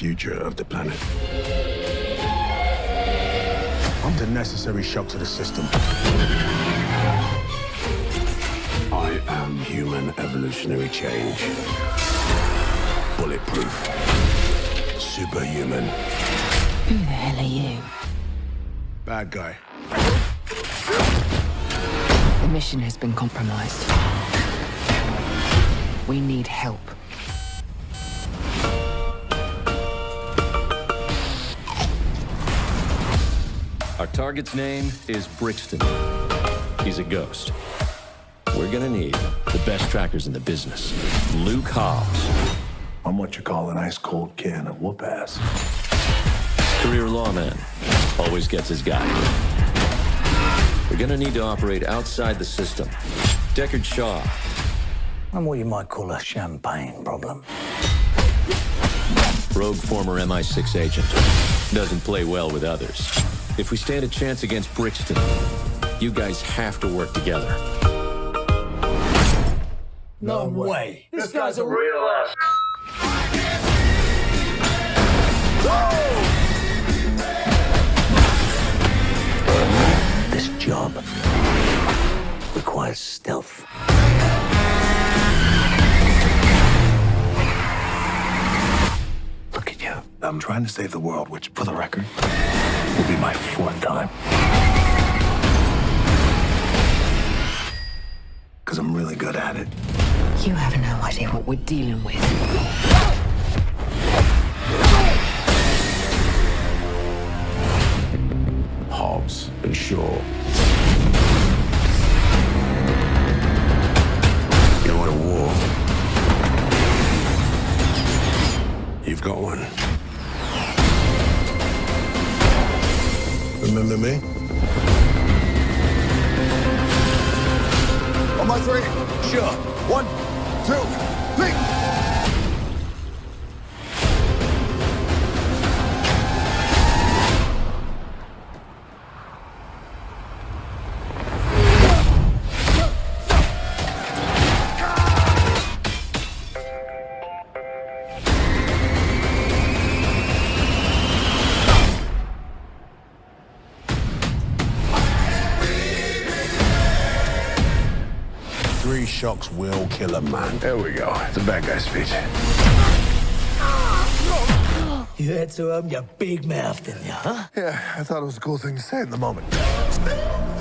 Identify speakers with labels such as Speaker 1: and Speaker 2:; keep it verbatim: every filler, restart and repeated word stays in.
Speaker 1: future of the planet. I'm the necessary shock to the system. I am human evolutionary change. Bulletproof. Superhuman.
Speaker 2: Who the hell are you?
Speaker 1: Bad guy.
Speaker 2: The mission has been compromised. We need help.
Speaker 3: Our target's name is Brixton. He's a ghost. We're gonna need the best trackers in the business. Luke Hobbs.
Speaker 1: I'm what you call an ice-cold can of whoop-ass.
Speaker 3: Career lawman. Always gets his guy. We're gonna need to operate outside the system. Deckard Shaw.
Speaker 4: I'm what you might call a champagne problem.
Speaker 3: Rogue former M I six agent. Doesn't play well with others. If we stand a chance against Brixton, you guys have to work together.
Speaker 4: No way.
Speaker 5: This guy's a real ass.
Speaker 4: This job requires stealth. Look at you.
Speaker 1: I'm trying to save the world, which, for the record, will be my fourth time. Because I'm really good at it.
Speaker 2: You have no idea what we're dealing with.
Speaker 1: Hobbs and Shaw. You want a war? You've got one. Remember me?
Speaker 6: On my three. Sure. One, two, three.
Speaker 1: Three shocks will kill a man. There we go. It's a bad guy speech.
Speaker 4: You had to open your big mouth, didn't you, huh?
Speaker 6: Yeah, I thought it was a cool thing to say in the moment.